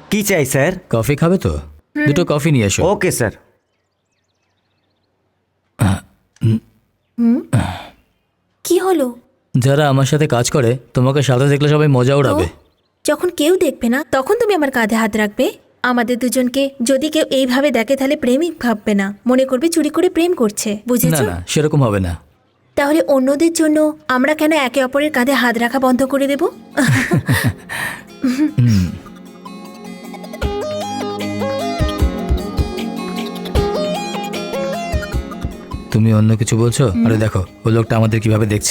কি চাই sir? Coffee খাবে তো? দুটো কফি নিয়ে এসো। Okay sir. কি হলো? যারা আমার সাথে কাজ করে তোমাকে সাথে দেখলে সবাই মজা উড়াবে। যখন কেউ দেখবে না তখন তুমি আমার কাঁধে হাত রাখবে? আমাদের দুজনকে যদি কেউ এইভাবে দেখে তাহলে প্রেমিক ভাববে না, মনে করবে চুরি করে প্রেম করছে, না বুঝেছো? না, সেরকম হবে না। তাহলে অন্যদের জন্য আমরা কেন একে অপরের কাঁধে হাত রাখা বন্ধ করে দেব? তুমি অন্য কিছু বলছো? আরে দেখো ওই লোকটা আমাদের কিভাবে দেখছে।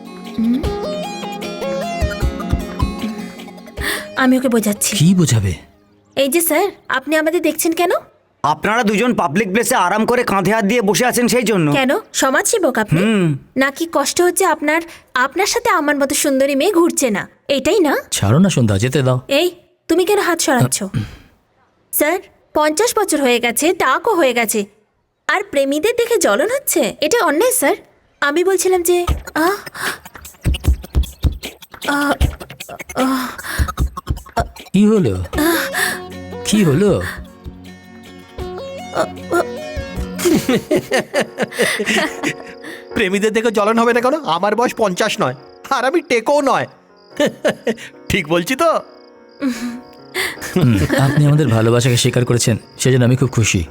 আমি ওকে বোঝাচ্ছি। কি বোঝাবে? এই যে স্যার, আপনি আমাদের দেখছেন কেন? আপনারা দুজন পাবলিক প্লেসে আরাম করে কাঁধে হাত দিয়ে বসে আছেন সেই জন্য। কেন সমাজসেবক আপনি? নাকি কষ্ট হচ্ছে আপনার সাথে আমার মতো সুন্দরী মেয়ে ঘুরছে না, এটাই না? ছাড়ো না সন্ধ্যা, যেতে দাও। এই তুমি কেন হাত সরাচ্ছ? স্যার 50 বছর হয়ে গেছে, টাকও হয়ে গেছে, আর প্রেমীদের দেখে জ্বলন হচ্ছে, এটা অন্যায় স্যার। আমি বলছিলাম যে কি হলো? কি হলো? প্রেমীদের দেখে জ্বলন হবে না কেন? আমার বয়স 50 নয়, আর আমি টেকও নয়। ঠিক বলছি তো? আপনি আমাদের ভালোবাসাকে স্বীকার করেছেন, সেজন্য আমি খুব খুশি।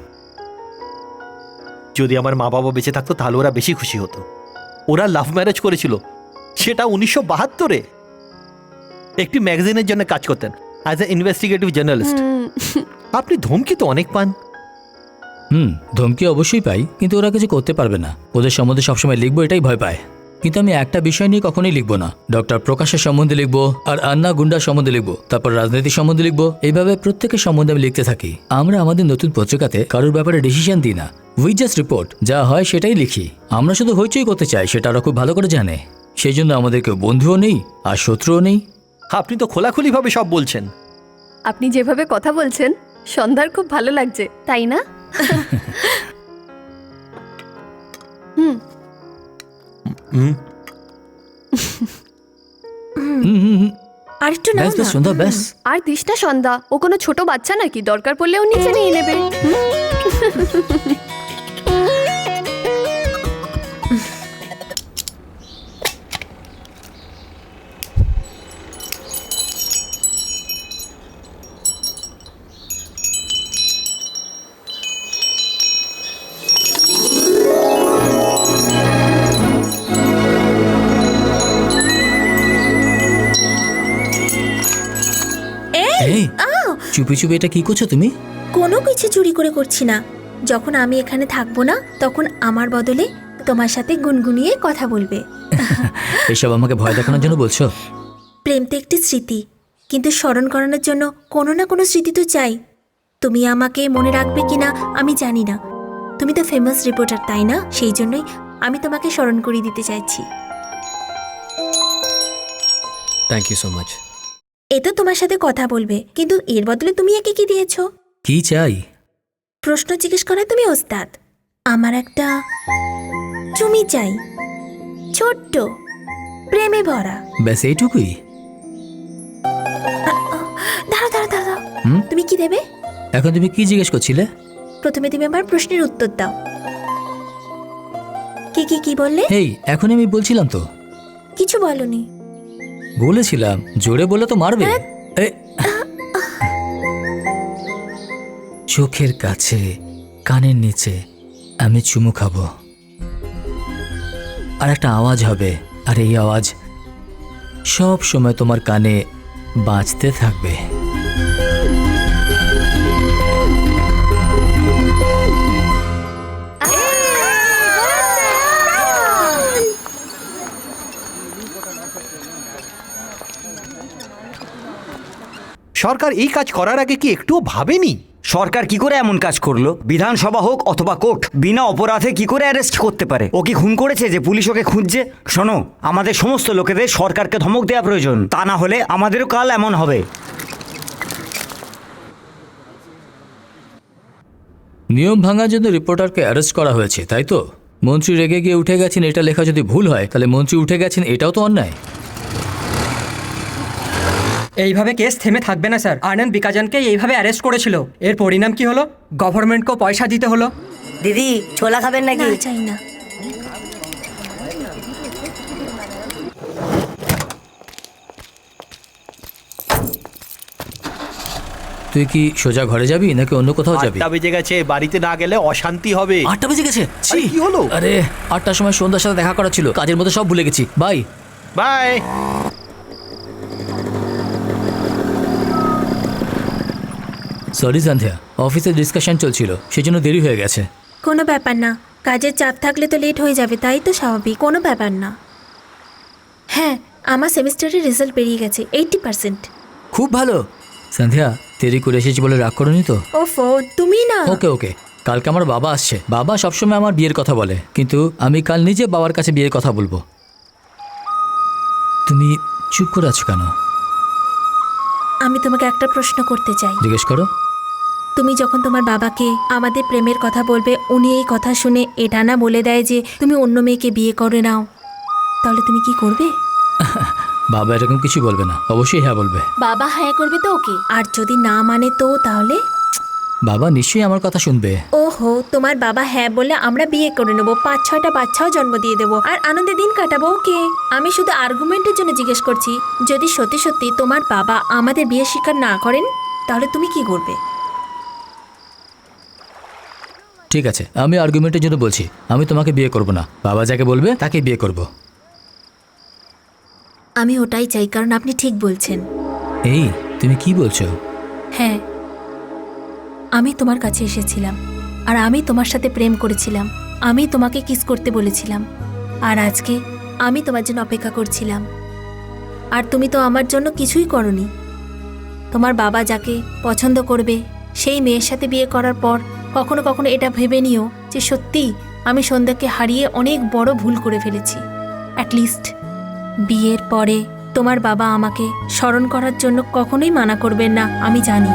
যদি আমার মা বাবা বেঁচে থাকতো তাহলে ওরা বেশি খুশি হতো। ওরা লাভ ম্যারেজ করেছিল, সেটা 1972-এ। একটি ম্যাগাজিনের জন্য কাজ করতেন অ্যাজ এ ইনভেস্টিগেটিভ জার্নালিস্ট। আপনি ধমকি তো অনেক পান। ধমকি অবশ্যই পাই, কিন্তু ওরা কিছু করতে পারবে না। ওদের সম্বন্ধে সবসময় লিখবো এটাই ভয় পায়। কিন্তু আমি একটা বিষয় নিয়ে কখনোই লিখবো না। ডক্টর প্রকাশের সম্বন্ধে লিখবো, আর আন্না গুন্ডার সম্বন্ধে লিখবো, তারপর রাজনীতির সম্বন্ধে লিখবো। এইভাবে প্রত্যেকের সম্বন্ধে আমি লিখতে থাকি। আমরা আমাদের নতুন পত্রিকাতে কারোর ব্যাপারে ডিসিশন দিই না, উই জাস্ট রিপোর্ট। যা হয় সেটাই লিখি। আমরা শুধু হইচই করতে চাই, সেটা ওরা খুব ভালো করে জানে। সেই জন্য আমাদের কেউ বন্ধুও নেই আর শত্রুও নেই। আপনি তো খোলাখুলিভাবে সব বলছেন। আপনি যেভাবে কথা বলছেন সন্ধ্যার খুব ভালো লাগছে, তাই না? আর একটু নাও ব্যাস ব্যাস না। সন্ধ্যা, ব্যাস। আর দিস না সন্ধ্যা, ও কোনো ছোট বাচ্চা নাকি? দরকার পড়লেও নিচে নিয়ে নেবে। এই চুপি চুপি এটা কি করছো তুমি? কোনো কিছু চুরি করে করছি না। যখন আমি এখানে থাকবো না তখন আমার বদলে তোমার সাথে গুনগুনিয়ে কথা বলবে। এসব আমাকে ভয় দেখানোর জন্য বলছো? প্রেম তো একটি স্মৃতি, কিন্তু স্মরণ করানোর জন্য কোনো না কোনো স্মৃতি তো চাই। তুমি আমাকে মনে রাখবে কিনা আমি জানি না। তুমি তো ফেমাস রিপোর্টার, তাই না? সেই জন্যই আমি তোমাকে স্মরণ করিয়ে দিতে চাইছি। Thank you so much. এ তো তোমার সাথে কথা বলবে, কিন্তু এর বদলে তুমি একে কি দিয়েছো? কি চাই? প্রশ্ন জিজ্ঞেস করায় তুমি ওস্তাদ। আমার একটা চুমি চাই, ছোট্ট, প্রেমে ভরা। ব্যাস এইটুকুই? দাঁড়াও দাঁড়াও দাঁড়াও, হুম? তুমি কি দেবে? এখন তুমি কি জিজ্ঞেস করছিলে? প্রথমে তুমি আমার প্রশ্নের উত্তর দাও। কি কি কি বললে? এই এখনই আমি বলছিলাম তো। কিছু বলনি। বলেছিলাম জোরে বলে তো মারবে। এ, চোখের কাছে, কানের নিচে আমি চুমু খাবো, আর একটা আওয়াজ হবে, আর এই আওয়াজ সব সময় তোমার কানে বাজতে থাকবে। সরকার এই কাজ করার আগে কি একটুও ভাবেনি? সরকার কি করে এমন কাজ করলো? বিধানসভা হোক অথবা কোর্ট বিনা অপরাধে কি করে অ্যারেস্ট করতে পারে? ও কি খুন করেছে যে পুলিশ ওকে খুঁজছে? শোনো, আমাদের সমস্ত লোকেদের সরকারকে ধমক দেওয়া প্রয়োজন, তা না হলে আমাদেরও কাল এমন হবে। নিয়ম ভাঙার জন্য রিপোর্টারকে অ্যারেস্ট করা হয়েছে, তাই তো? মন্ত্রী রেগে গিয়ে উঠে গেছেন এটা লেখা যদি ভুল হয়, তাহলে মন্ত্রী উঠে গেছেন এটাও তো অন্যায়। এইভাবে কেস থেমে থাকবে না স্যার। আনন্দ বিকাজনকে এইভাবে অ্যারেস্ট করেছিল, এর পরিণাম কি হলো? গভর্নমেন্টকেও পয়সা দিতে হলো। দিদি ছোলা খাবেন না নাকি? চাই না। তুই কি সোজা ঘরে যাবি নাকি অন্য কোথাও যাবি? 8টা বেজে গেছে, বাড়িতে না গেলে অশান্তি হবে। 8টা বেজে গেছে। ছি! আরে, কি হলো? আরে 8টার সময় সন্ধ্যার সাথে দেখা করা ছিল, কাজের মধ্যে সব ভুলে গেছি। বাই। বাই। সরি সন্ধ্যা, অফিসে ডিসকাশন চলছিল, সেজন্য দেরি হয়ে গেছে। কোনো ব্যাপার না, কাজের চাপ থাকলে তো লেট হয়ে যাবে, তাই তো স্বাভাবিক, কোনো ব্যাপার না। হ্যাঁ, আমার সেমিস্টারের রেজাল্ট বেরিয়ে গেছে 80%। খুব ভালো। সন্ধ্যা, দেরি করে এসেছি বলে রাগ করোনি তো? ওফো, তুমি না। ওকে ওকে, কালকে আমার বাবা আসছে। বাবা সবসময় আমার বিয়ের কথা বলে, কিন্তু আমি কাল নিজে বাবার কাছে বিয়ের কথা বলবো। তুমি চুপ করে আছো কেন? আমি তোমাকে একটা প্রশ্ন করতে চাই। জিজ্ঞেস করো। তুমি যখন তোমার বাবাকে আমাদের প্রেমের কথা বলবে, উনি এই কথা শুনে এটা না বলে দেয় যে তুমি অন্য মেয়েকে বিয়ে করে নাও, তাহলে তুমি কি করবে? বাবা এরকম কিছু বলবে না, অবশ্যই হ্যাঁ বলবে। বাবা হ্যাঁ করবে তো ওকে, আর যদি না মানে তো তাহলে? বাবা নিশ্চয়ই আমার কথা শুনবে। ওহো, তোমার বাবা হ্যাঁ বললে আমরা বিয়ে করে নেবো, 5-6টা বাচ্চাও জন্ম দিয়ে দেবো, আর আনন্দে দিন কাটাবো। ওকে, আমি শুধু আর্গুমেন্টের জন্য জিজ্ঞেস করছি, যদি সত্যি সত্যি তোমার বাবা আমাদের বিয়ে স্বীকার না করেন, তাহলে তুমি কি করবে? ঠিক আছে, আমি আর্গুমেন্টের জন্য বলছি, আমি তোমাকে বিয়ে করব না। বাবা যাকে বলবে তাকে বিয়ে করব। আমি ওটাই চাই, কারণ আপনি ঠিক বলছেন। এই, তুমি কি বলছো? হ্যাঁ, আমি তোমার কাছে এসেছিলাম, আর আমি তোমার সাথে প্রেম করেছিলাম, আমি তোমাকে কিস করতে বলেছিলাম, আর আজকে আমি তোমার জন্য অপেক্ষা করছিলাম, আর তুমি তো আমার জন্য কিছুই করনি। তোমার বাবা যাকে পছন্দ করবে সেই মেয়ের সাথে বিয়ে করার পর কখনো কখনো এটা ভেবে নিও যে সত্যি আমি সন্ধ্যাকে হারিয়ে অনেক বড় ভুল করে ফেলেছি। অ্যাটলিস্ট বিয়ের পরে তোমার বাবা আমাকে স্মরণ করার জন্য কখনোই মানা করবেন না, আমি জানি।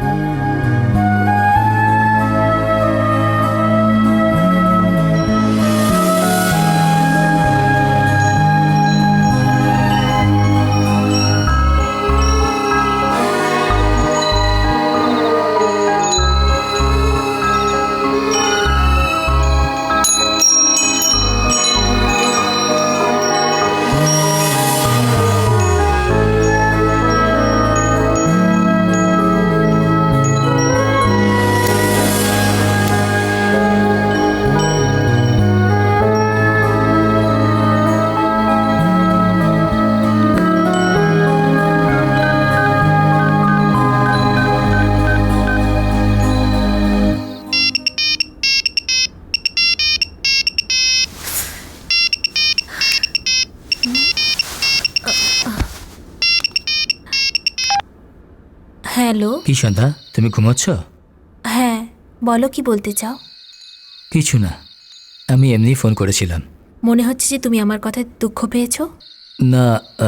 হ্যালো। কি সন্ধ্যা, তুমি ঘুমোচ্ছ? হ্যাঁ, বলো, কি বলতে চাও? কিছু না, আমি এমনি ফোন করেছিলাম। মনে হচ্ছে যে তুমি আমার কথায় দুঃখ পেয়েছো। না,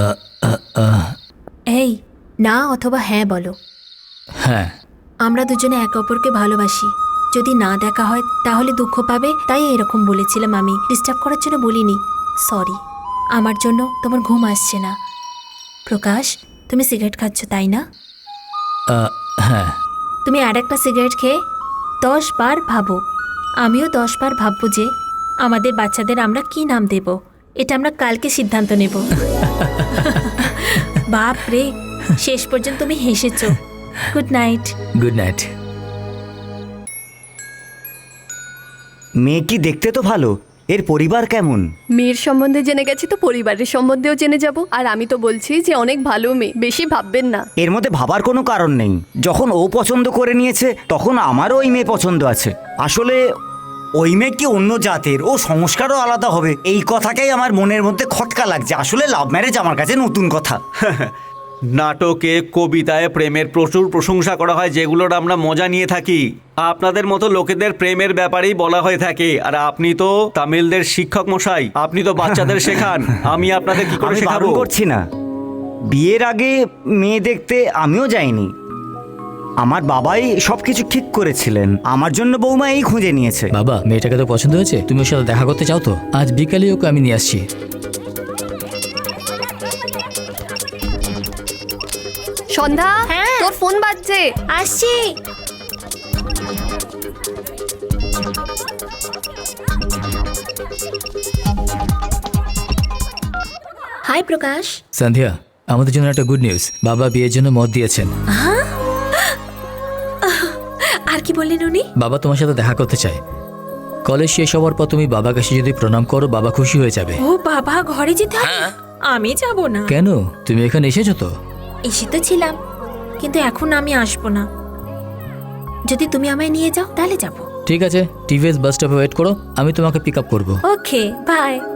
এই, না অথবা হ্যাঁ বলো। হ্যাঁ। আমরা দুজনে একে অপরকে ভালোবাসি, যদি না দেখা হয় তাহলে দুঃখ পাবে, তাই এরকম বলেছিলাম। আমি ডিস্টার্ব করার জন্য বলিনি, সরি। আমার জন্য তোমার ঘুম আসছে না। প্রকাশ, তুমি সিগারেট খাচ্ছ তাই না? হ্যাঁ। তুমি আর একটা সিগারেট খেয়ে 10 বার ভাবো, আমিও 10 বার ভাববো যে আমাদের বাচ্চাদের আমরা কি নাম দেব। এটা আমরা কালকে সিদ্ধান্ত নেব। বাপ রে, শেষ পর্যন্ত তুমি হেসেছো। Good night. Good night. মেয়ে কি দেখতে তো ভালো, এর পরিবার কেমন? মেয়ের সম্বন্ধে জেনে গেছি তো পরিবারের সম্বন্ধেও জেনে যাব। আর আমি তো বলছি যে অনেক ভালো মেয়ে, বেশি ভাববেন না। এর মধ্যে ভাবার কোনো কারণ নেই, যখন ও পছন্দ করে নিয়েছে তখন আমারও ওই মেয়ে পছন্দ আছে। আসলে ওই মেয়ে কি অন্য জাতের, ও সংস্কারও আলাদা হবে, এই কথাটাই আমার মনের মধ্যে খটকা লাগছে। আসলে লাভ ম্যারেজ আমার কাছে নতুন কথা। নাটকে, কবিতায় প্রেমের প্রচুর প্রশংসা করা হয়, যেগুলোর আমরা মজা নিয়ে থাকি। আপনাদের মতো লোকেদের প্রেমের ব্যাপারেই বলা হয়ে থাকে। আর আপনি তো তামিলদের শিক্ষক মশাই, আপনি তো বাচ্চাদের শেখান। আমি আপনাদের কি করে আমি শেখাবো? বারণ করছি না, বিয়ের আগে মেয়ে দেখতে আমিও যাইনি। আমার বাবাই সবকিছু ঠিক করেছিলেন, আমার জন্য বৌমা এই খুঁজে নিয়েছে। বাবা, মেয়েটাকে তো পছন্দ হয়েছে, তুমি ওর সাথে দেখা করতে চাও তো? আজ বিকালে ওকে আমি নিয়ে আসছি। সন্ধ্যা, হ্যাঁ। তোর ফোন বাজছে। আসছি। হাই প্রকাশ। সন্ধ্যা, আমাদের জন্য একটা গুড নিউজ। বাবা বিয়ের জন্য মত দিয়েছেন। আর কি বললেন উনি? বাবা তোমার সাথে দেখা করতে চায়। কলেজ শেষ হওয়ার পর তুমি বাবার কাছে যদি প্রণাম করো, বাবা খুশি হয়ে যাবে। ও বাবা, ঘরে যেতে হবে? আমি যাব না। কেন? তুমি এখানে এসেছো তো। এসে তো ছিলাম, কিন্তু এখন আমি আসবো না। যদি তুমি আমায় নিয়ে যাও তাহলে যাব। ঠিক আছে, টিভিএস বাস স্টপে ওয়েট করো, আমি তোমাকে পিক আপ করবো। Okay, by.